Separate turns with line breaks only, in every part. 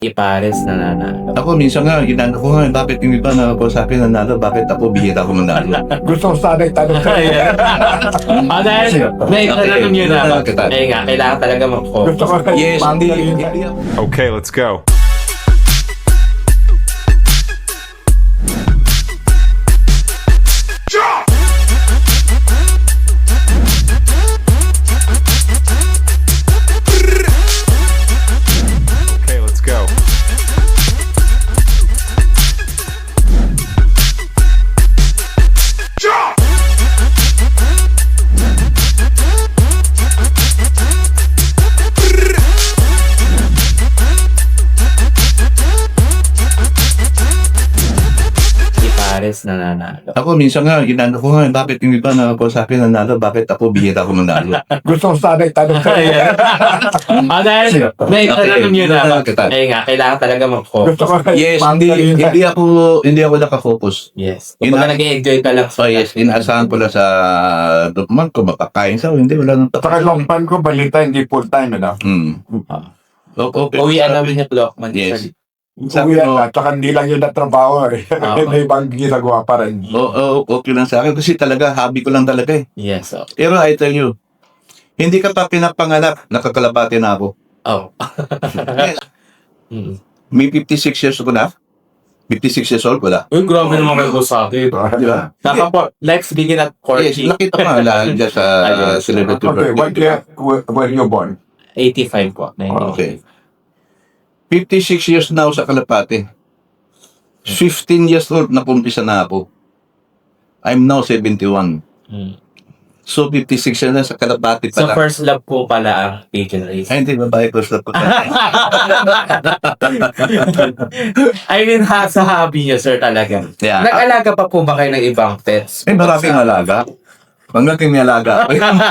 Pares nananalo.
Ako minsan nga, inano ko nga, bakit yung iba na ako sa akin nanalo, bakit ako bihira ko manalo?
Gusto ko sana itanong sa
Ayan. Dahil may tanong yun na.
Kita.
Eh nga, kailangan talaga mag-focus.
Gusto ko
Yes, hindi.
Okay, let's go. Okay, let's go.
Pares nananalo.
Ako minsan nga, inano ko nga, bakit yung iba na ako sa akin nanalo, bakit ako bihira ko manalo?
Gusto ko sana itanong sa
Ayan. Dahil may tanong yun na.
Kita.
Eh nga, kailangan talaga mag-focus.
Gusto ko
Yes, hindi ako nakafocus.
Yes. Kumbaga nag-enjoy ka lang.
So yes, inaasahan ko lang sa document ko, makakain sa hindi, wala nang
Saka long time ko, balita, hindi full time, ano?
Okay.
Uwian namin yung Blockman.
Yes.
Sabi
Sabi mo,
na, saka hindi lang yun na trabaho eh. May ibang ginagawa pa rin.
okay lang sa akin kasi talaga, hobby ko lang talaga eh.
Yes. Oh.
Pero I tell you, hindi ka pa pinapanganak, nakakalabati na ako.
Oh.
Yes.
Mm.
May 56 years ko na. 56 years old ko na.
Uy, grabe naman kayo sa akin.
Di ba?
Let's begin at
Yes,
40.
nakita ko nga lang dyan sa
Ayun.
celebrity
Okay,
birthday.
where you born?
85 po. 90.
Okay. 56 years na ako sa Kalapate. 15 years old na pumpisa na ako. I'm now 71.
Mm.
So 56 years na sa Kalapate
So
pala.
first love po pala ang pigeon race.
Ay, hindi, babae ko sa
I mean, sa hobby niyo, sir, talaga.
Yeah.
Nag-alaga pa po ba kayo ng ibang pets?
Eh, maraming alaga. Hanggang may alaga.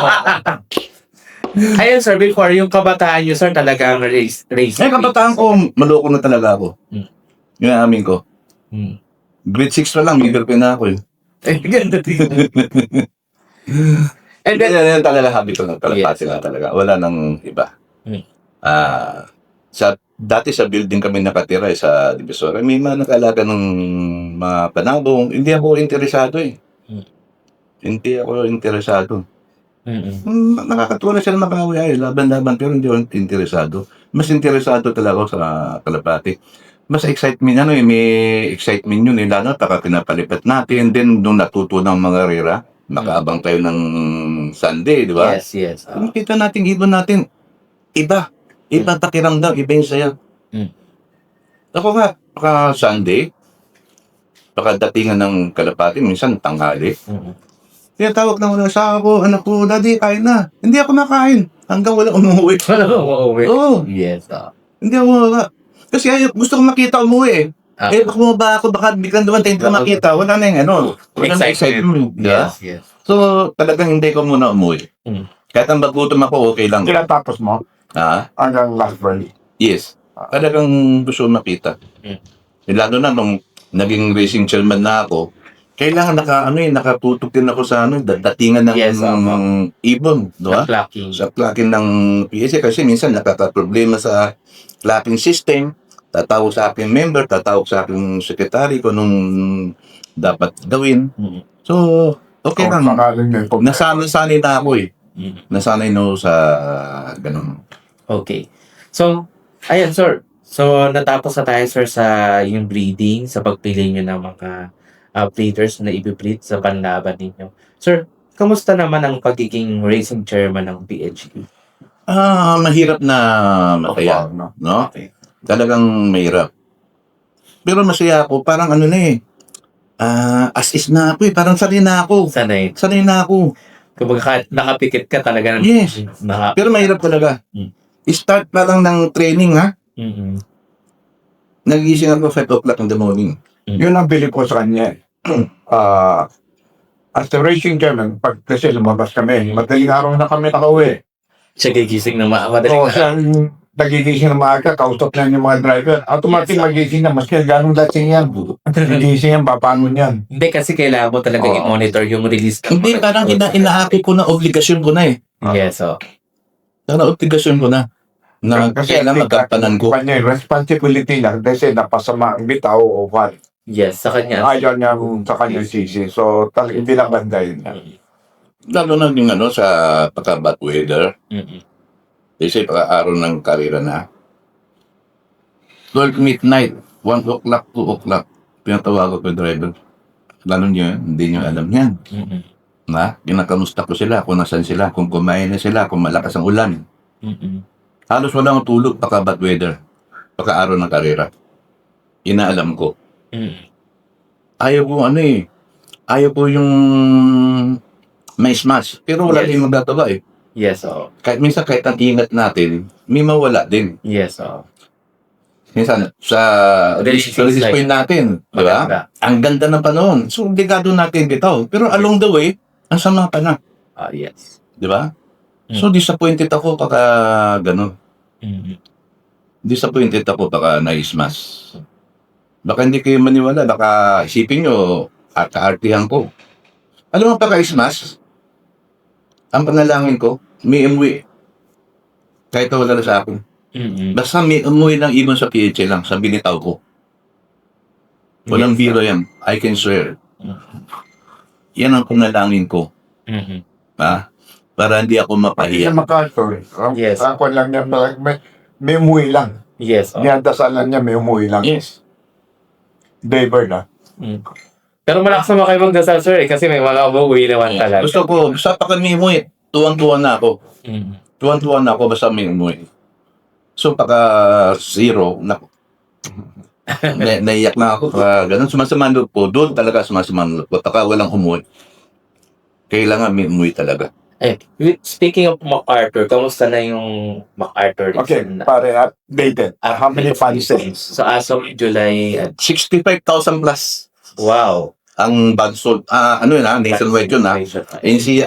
Ayun, sir, before yung kabataan niyo, sir, talagang race.
Eh, kabataan ko, maloko na talaga ako.
Hmm.
Yung amin ko.
Hmm.
Grade 6 pa lang, may girlfriend na ako eh.
Eh, ganda din. And then,
Yan talaga habi ko ng Kalapate
Yes.
na talaga. Wala nang iba.
Hmm.
Dati sa building kami nakatira sa Divisoria. May mga nag-alaga ng mga panabong. Hindi ako interesado eh.
Hmm.
Hindi ako interesado.
mm-mm.
Nakakatuwa sila makawi ay laban-laban pero hindi ako interesado. Mas interesado talaga ako sa Kalapate. Mas excitement may excitement yun lalo pagka pinapalipat natin then nung natuto ng mga rera, nakaabang tayo ng Sunday, di ba?
Yes.
Makita natin ibon natin iba pakiramdam, iba yung saya. Ako nga, pagka Sunday, pagkadatingan ng Kalapate, minsan tanghali, kaya tawag na wala sa ako, anak ko, daddy, kain na. Hindi ako nakain. Hanggang wala umuwi. Oo,
Yes.
hindi ako wala. Kasi gusto ko makita umuwi eh. Eh, baka bumaba ako, baka biglang dumating ka makita. Wala na yung wala na excitement. Diba?
Yes.
So, talagang hindi ko muna umuwi. Kahit ang bagutom ako, okay lang.
Kailan tapos mo? Hanggang last birthday.
Yes. Talagang gusto ko makita. Lalo na nung naging racing chairman na ako, kailangan nakatutok din ako sa datingan ng
Yes,
ibon, di ba?
Clocking.
Sa clocking ng PSA kasi minsan nakaka-problema sa clocking system. Tatawag sa aking member, tatawag sa aking secretary kung anong dapat gawin. So, okay lang. Nasanay na ako eh. Nasanay na ako sa ganun.
Okay. So, ayan, sir. So, natapos na tayo, sir, sa yung breeding, sa pagpili nyo ng mga breeders na i-breed sa panlaban ninyo. Sir, kamusta naman ang pagiging racing chairman ng PHE?
Mahirap na masaya, no?
Okay.
Talagang mahirap. Pero masaya ako, parang as is na ako eh, parang sanay na ako.
Sanay.
Sanay na ako.
Kumbaga nakapikit ka talaga.
Yes. Pero mahirap talaga. Start pa lang ng training, ha? Nagising ako 5 o'clock in the morning.
Yun ang bili ko sa kanya. As the racing chairman, pag kasi lumabas kami, madaling araw na kami nakauwi.
Siya gigising na madaling
So, siya nagigising na maaga, kausap na yung mga driver. Automatic magising na, maski ganong dating yan. Gigising yan, papangon yan.
Hindi kasi kailangan mo talaga i-monitor yung release.
Hindi, parang inahaki ko na, obligasyon ko na eh.
Yes,
Parang obligasyon ko na. Na kailangan magkapanan ko.
Kanya yung responsibility niya kasi napasama ang bitaw o what.
Yes, sa kanya.
Ayaw niya sa kanya sisi. So, talagang hindi lang bandayin.
Lalo na yung sa pagka-bad weather.
Mm-mm.
Kasi pagka-araw ng karera na. 12 midnight, 1 o'clock, 2 o'clock. Pinatawag ko yung driver. Lalo niya, hindi niyo alam yan.
Mm-mm.
Na, kinakamusta ko sila, kung nasan sila, kung kumain na sila, kung malakas ang ulan.
Mm-mm.
Halos walang tulog pagka-bad weather. Pagka-araw ng karera. Inaalam ko.
Mm-mm.
Ayaw ko ayaw ko yung may smash. Pero wala
Yes.
din magagawa eh.
Yes, oo.
Kahit minsan kahit ang ingat natin, may mawala din.
Yes, oo.
Minsan sa
Release
release
like-
point natin, di ba?
Maganda.
Ang ganda ng panahon. So, obligado natin bitaw. Pero along the way, ang sama pa na.
Yes.
Di ba?
Mm.
So, disappointed ako pagka ganun.
Mm-mm.
Disappointed ako pagka na-smash. Baka hindi kayo maniwala. Baka isipin nyo, kaartihan ko. Alam mo pagka-smash, ang panalangin ko, may umuwi. Kahit wala na sa akin.
Mm-mm.
Basta may umuwi ng ibon sa PHA lang, sa binitaw ko. Walang
Yes.
biro yan. I can swear.
Mm-mm.
Yan ang panalangin ko.
Mm-mm.
Ha? Para hindi ako
Pati
mapahiya.
sa MacArthur,
Yes.
ako lang niya, may umuwi lang.
Yes, oo.
Niyadasalan niya, may umuwi lang.
Yes.
David na.
Mm. Pero malakas naman kayo magdasal, sir, kasi may mga umuwi naman talaga.
Gusto ko, basta pa kami umuwi, tuwang-tuwa na ako.
Mm.
Tuwang-tuwa na ako basta may umuwi. So, pagka zero, naiyak na ako. Ganun, sumasaman loob po. Doon talaga sumasaman loob po. Pagka walang umuwi. Kailangan may umuwi talaga.
Eh, speaking of MacArthur, kamusta na yung MacArthur?
Okay,
na,
pare, updated. How many fans sales?
So, as of July,
65,000 plus
wow.
ang bag sold. Ano yun nationwide yun NC,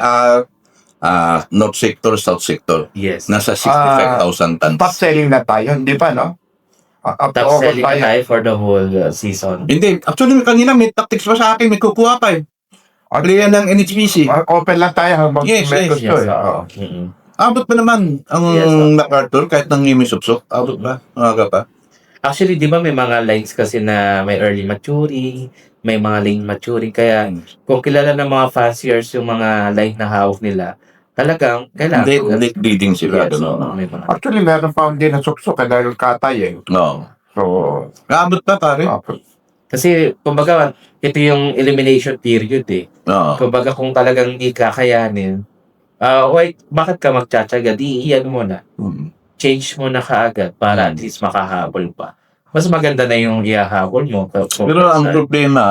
North Sector, South Sector.
Yes.
Nasa 65,000 tons.
Top selling na tayo, hindi pa, no? Up to
Top
August
selling na
tayo.
tayo for the whole season.
Hindi, actually kanina may tactics pa sa akin, may kukuha pa eh. Player ng NHPC.
Open lang tayo hanggang
Yes,
may
yes,
gusto.
Yes,
eh.
oo.
Oo.
Mm-mm.
Abot pa naman ang
Yes,
MacArthur kahit nang suksok. Abot pa, maaga pa.
Actually, di ba may mga lines kasi na may early maturing, may mga late maturing. Kaya kung kilala ng mga fanciers yung mga line na hawak nila, talagang kailangan.
Late bleeding sila.
Yes,
Gano'n.
oo, may mga.
Actually, meron pa din na suksok dahil katay eh.
No.
So,
Abot pa pare.
Kasi, kumbaga, ito yung elimination period eh.
Oo.
Kumbaga, kung talagang hindi kakayanin, bakit ka magtsatsaga? Di, iyan mo na.
Mm.
Change mo na kaagad para at least makahabol pa. Mas maganda na yung ihahabol mo.
Pero ang problema,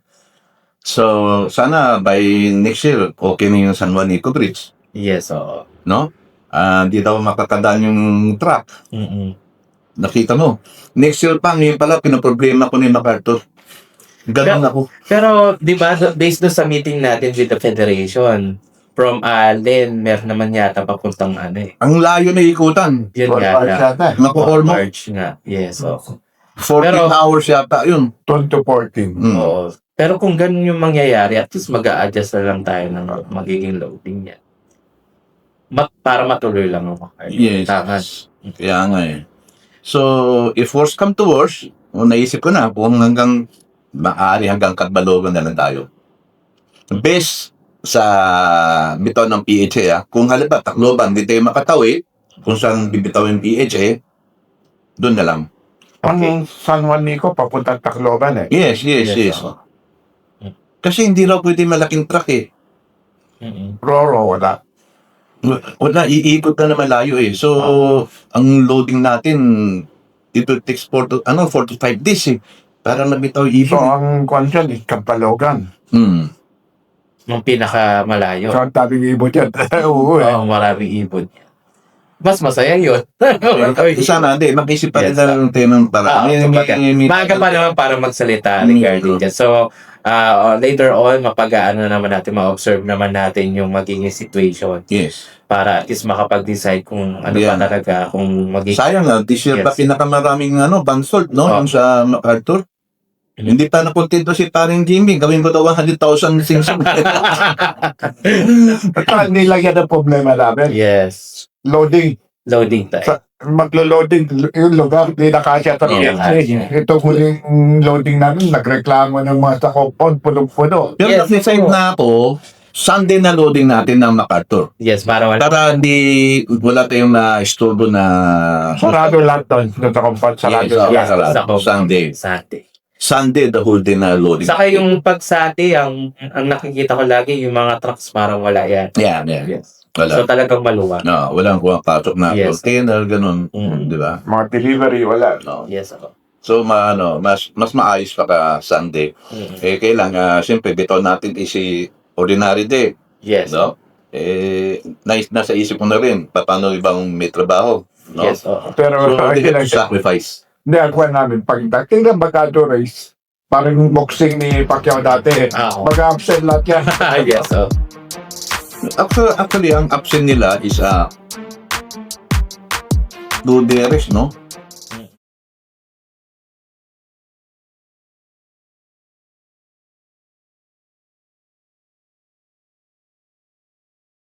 so sana by next year, okay na yung San Juanico Bridge.
Yes, oo.
No? Di daw makakadaan yung truck.
Mm-mm.
Nakita mo. Next year pa, ngayon pala, pinaproblema ko ni MacArthur. Ganun ako.
Pero, di ba, based doon sa meeting natin with the Federation, from Allen, meron naman yata papuntang ano eh.
Ang layo na ikutan.
Yun
for
nga
March
na.
yata.
Naku, almost
March nga. Yes, oo.
14
Pero-
hours yata yun.
12 to 14.
Mm.
Oo. Pero kung ganun yung mangyayari, at least mag-a-adjust na lang tayo ng magiging loading niya. Para matuloy lang ang MacArthur.
Yes.
Tama.
Kaya nga eh. So, if worst come to worst, naisip ko na kung hanggang maaari hanggang Katbalogan na lang tayo. Best sa bitaw ng PHA, kung halimbawa Tacloban, di tayo makatawid, kung saan bibitaw yung PHA, doon na lang.
Ang San Juanico, papunta Tacloban eh.
Yes, yes, yes.
oo.
Kasi hindi raw pwede malaking truck eh.
Mm-mm.
Roro, wala.
Wala, iikot na naman layo eh. So, ang loading natin, it will take 4 to 5 days eh. Para mabitaw
So,
even.
ang konsyon is Kapalogan.
Hmm.
Yung pinakamalayo.
So, ang tabing ibot yan. Oo eh.
Oo, maraming ibon. Mas masaya yun.
Sana, hindi. Mag-isip pa rin
Yes,
ng temang para.
Maaga pa naman para magsalita regarding dyan. So, later on, mapagaan na naman natin, ma-observe naman natin yung magiging situation
Yes.
para at least makapag-decide kung ano
Yeah.
pa talaga, kung magiging...
Sayang na, this year pa
Yes.
pinakamaraming band-sold, no?
Oh.
Yung sa MacArthur.
Mhm.
Hindi pa nakontento si paring Jimmy. Gawin ko daw 100,000 sing-sing.
At hindi lang yan ang problema namin.
Yes.
Loading.
Loading time.
maglo-loading yung lugar, di na kasya sa
Yeah.
Ito huling loading namin, nagreklamo ng mga sa compound, punong-puno.
Pero
Yes,
nag-decide
oo.
na ako, Sunday na loading natin ng MacArthur.
Yes, para wala.
Para wala tayong na-istorbo na...
Sarado lahat doon, doon sa compound, sarado
Yes,
lahat.
sarado.
Sa compound.
Sunday.
Sunday.
Sunday, the whole day na loading.
Saka yung pag Sunday, ang nakikita ko lagi, yung mga trucks parang wala yan.
Yeah.
Yes.
Wala.
So talagang maluwag.
No, walang pasok na
Yes.
container, ganun.
Mm.
Di ba?
Mga delivery, wala.
No.
Yes, ako.
So, mas maayos pa ka Sunday.
Mm.
Kailangan, siyempre, bitaw natin si ordinary day.
Yes.
No? Nasa isip ko na rin, paano ibang may trabaho. No?
Yes, oo.
Pero,
So, they
ayun
have
lang
to
siya.
sacrifice.
Hindi, ako namin, pagdating ng Bacado race, parang yung boxing ni Pacquiao dati,
Oo.
mag-upset lahat yan.
Yes, oo.
Actually, ang absent nila is Luderes, no?